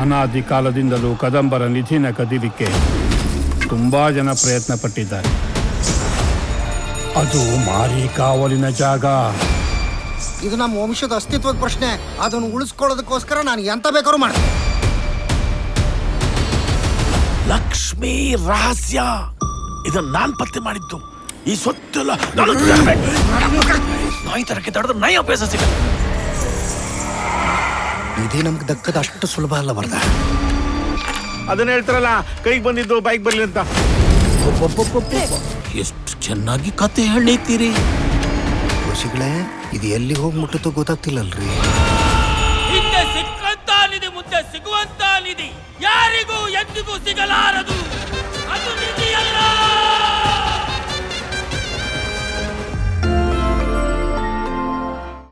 ಅನಾದಿ ಕಾಲದಿಂದಲೂ ಕದಂಬರ ನಿಧಿನ ಕದಿಲಿಕ್ಕೆ ತುಂಬಾ ಜನ ಪ್ರಯತ್ನ ಪಟ್ಟಿದ್ದಾರೆ. ಅದು ಮಾರಿ ಕಾವಲಿನ ಜಾಗ. ಇದು ನಮ್ಮ ವಂಶದ ಅಸ್ತಿತ್ವದ ಪ್ರಶ್ನೆ. ಅದನ್ನು ಉಳಿಸ್ಕೊಳ್ಳೋದಕ್ಕೋಸ್ಕರ ನಾನು ಎಂತ ಬೇಕಾದ್ರೂ ಮಾಡ್ತೀನಿ. ಲಕ್ಷ್ಮೀ ರಹಸ್ಯ ಇದನ್ನ ನಾನ್ ಪತ್ತೆ ಮಾಡಿದ್ದು. ಈ ಸೊತ್ತೆಲ್ಲ ನಾಯಿ ತರಕ್ಕೆ ತಡೆದ್ರೆ ನಾಯಿ ಅಭ್ಯಾಸ ಸಿಗಲ್ಲ. ಇದೇ ನಮ್ಗೆ ದಕ್ಕದ ಅಷ್ಟು ಸುಲಭ ಅಲ್ಲ ಬರ್ದ. ಅದನ್ನ ಹೇಳ್ತಾರಲ್ಲ, ಕೈಗೆ ಬಂದಿದ್ದು ಬೈಕ್ ಬರ್ಲಿ ಅಂತ. ಎಷ್ಟು ಚೆನ್ನಾಗಿ ಕತೆ ಹೇಳಿತೀರಿ ಋಷಿಗಳೇ. ಇದು ಎಲ್ಲಿ ಹೋಗಿ ಮುಟ್ಟುತ್ತೋ ಗೊತ್ತಾಗ್ತಿಲ್ಲಲ್ರಿ. ಹಿಂದೆ ಸಿಕ್ಕಂತ ನಿಧಿ ಮುಂದೆ ಸಿಗುವಂತ ನಿಧಿ ಯಾರಿಗೂ ಎಂದಿಗೂ ಸಿಗಲಾರದು. ಅದು ನಿಧಿಯಲ್ಲ.